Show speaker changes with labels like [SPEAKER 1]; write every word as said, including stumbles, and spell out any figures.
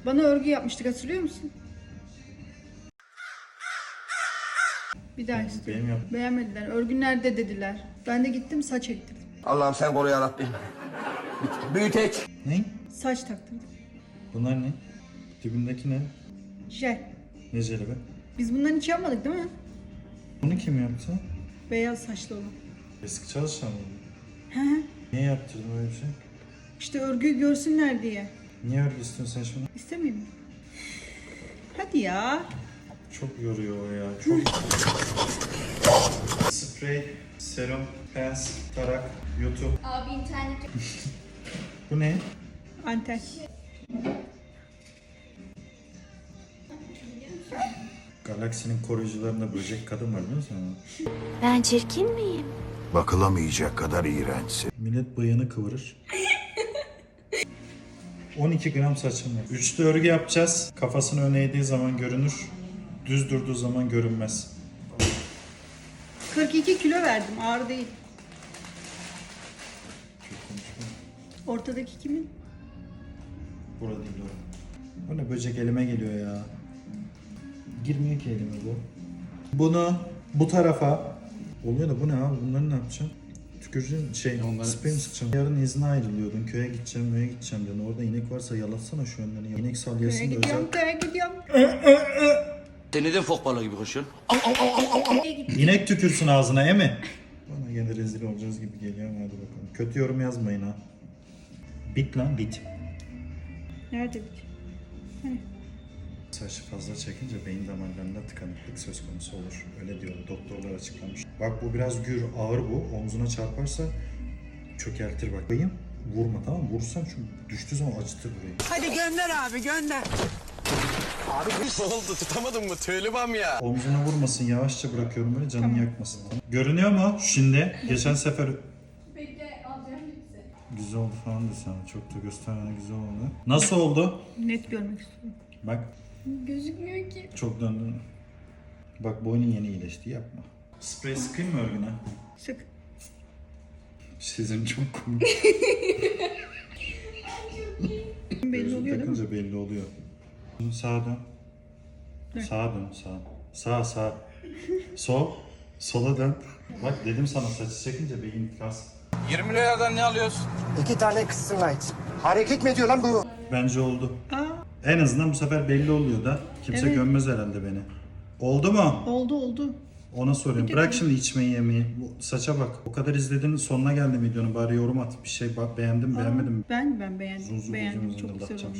[SPEAKER 1] Bana örgü yapmıştık, hatırlıyor musun? Bir daha istiyorum.
[SPEAKER 2] Benim yap.
[SPEAKER 1] Beğenmediler. Örgü nerede dediler. Ben de gittim saç ektirdim.
[SPEAKER 3] Allah'ım sen koru yarabbim. Büyüteç.
[SPEAKER 2] Ne?
[SPEAKER 1] Saç taktırdım.
[SPEAKER 2] Bunlar ne? Dibindeki ne?
[SPEAKER 1] Jel.
[SPEAKER 2] Ne jeli be?
[SPEAKER 1] Biz bundan hiç yapmadık değil mi?
[SPEAKER 2] Bunu kim yaptı?
[SPEAKER 1] Beyaz saçlı olan.
[SPEAKER 2] Eski çalışan mı?
[SPEAKER 1] Hı hı.
[SPEAKER 2] Niye yaptırdın öyle bir şey?
[SPEAKER 1] İşte örgüyü görsünler diye.
[SPEAKER 2] Niye öyle istiyorsun sen şunu?
[SPEAKER 1] İstemeyeyim mi? Hadi ya.
[SPEAKER 2] Çok yoruyor o ya. Çok. Sprey, serum, pens, tarak, YouTube.
[SPEAKER 4] Abi internet yok.
[SPEAKER 2] Bu ne?
[SPEAKER 1] Anten.
[SPEAKER 2] Galaksinin koruyucularında böcek kadın var biliyor musun?
[SPEAKER 5] Ben çirkin miyim?
[SPEAKER 6] Bakılamayacak kadar iğrençsin.
[SPEAKER 2] Millet bıyığını kıvırır. on iki gram saçım var. Üçlü örgü yapacağız. Kafasını öne eğdiği zaman görünür. Düz durduğu zaman görünmez.
[SPEAKER 1] kırk iki kilo verdim, ağır değil. Ortadaki kimin?
[SPEAKER 2] Burada değil o. Bu ne böcek elime geliyor ya. Girmiyor ki elime bu. Bunu bu tarafa. Oluyor da bu ne abi? Bunları ne yapacağım? Tüküreceğim şey, sprey mi sıkacağım? Yarın izne ayrılıyordun. Köye gideceğim, köye gideceğim diyordun. Orada inek varsa yalatsana şu önlerini. İnek salyasını
[SPEAKER 1] Köye
[SPEAKER 2] da
[SPEAKER 1] gidiyorum,
[SPEAKER 2] özel.
[SPEAKER 1] köye gidiyorum.
[SPEAKER 3] Sen neden fok balığı gibi koşuyorsun?
[SPEAKER 2] İnek tükürsün ağzına emi. Bana gene rezil olacağız gibi geliyor ama hadi bakalım. Kötü yorum yazmayın ha. Bit lan bit.
[SPEAKER 1] Nerede bit?
[SPEAKER 2] Saçı fazla çekince beyin damarlarında tıkanıklık söz konusu olur. Öyle diyor doktorlar açıklamış. Bak bu biraz gür, ağır bu. Omzuna çarparsa çökertir bak. Bayım vurma tamam mı? Vurursan çünkü düştüğü zaman acıtır burayı.
[SPEAKER 7] Hadi gönder abi gönder.
[SPEAKER 3] Ne oldu tutamadın mı? Tüylübam ya.
[SPEAKER 2] Omzuna vurmasın yavaşça bırakıyorum böyle canını yakmasın. Tamam. Görünüyor mu şimdi? Geçen sefer
[SPEAKER 4] Bekle alacağım lütfen.
[SPEAKER 2] güzel oldu falan desem. Çok da göstermeden güzel oldu. Nasıl oldu?
[SPEAKER 1] Net görmek istiyorum.
[SPEAKER 2] Bak
[SPEAKER 4] Gözükmüyor ki.
[SPEAKER 2] çok döndün. Bak boynun yeni iyileşti yapma. Sprey sıkayım mı örgüne?
[SPEAKER 1] Sık.
[SPEAKER 2] Sizin çok komik.
[SPEAKER 1] Belli
[SPEAKER 2] Gözlük
[SPEAKER 1] oluyor değil mi?
[SPEAKER 2] takınca belli oluyor. Sağa dön. Sağa dön sağa. Sağ sağ. Sol. Sola dön. Bak dedim sana saçı çekince beyin kas.
[SPEAKER 3] yirmi liradan ne alıyorsun?
[SPEAKER 7] İki tane kızsın light. Hareket mi ediyor lan bu?
[SPEAKER 2] Bence oldu.
[SPEAKER 1] Aa,
[SPEAKER 2] En azından bu sefer belli oluyor da kimse
[SPEAKER 1] Evet.
[SPEAKER 2] gömmez herhalde beni. Oldu mu?
[SPEAKER 1] oldu oldu.
[SPEAKER 2] Ona soruyorum. Bırak şimdi içmeyi yemeyi. Bu saça bak. O kadar izledin sonuna geldi videonun. Bari yorum at. Bir şey bak beğendim beğenmedim.
[SPEAKER 1] Ben ben beğendim.
[SPEAKER 2] Zuzu
[SPEAKER 1] beğendim.
[SPEAKER 2] buzun
[SPEAKER 1] Çok güzel
[SPEAKER 2] zıngıldatacağım.
[SPEAKER 1] olmuş.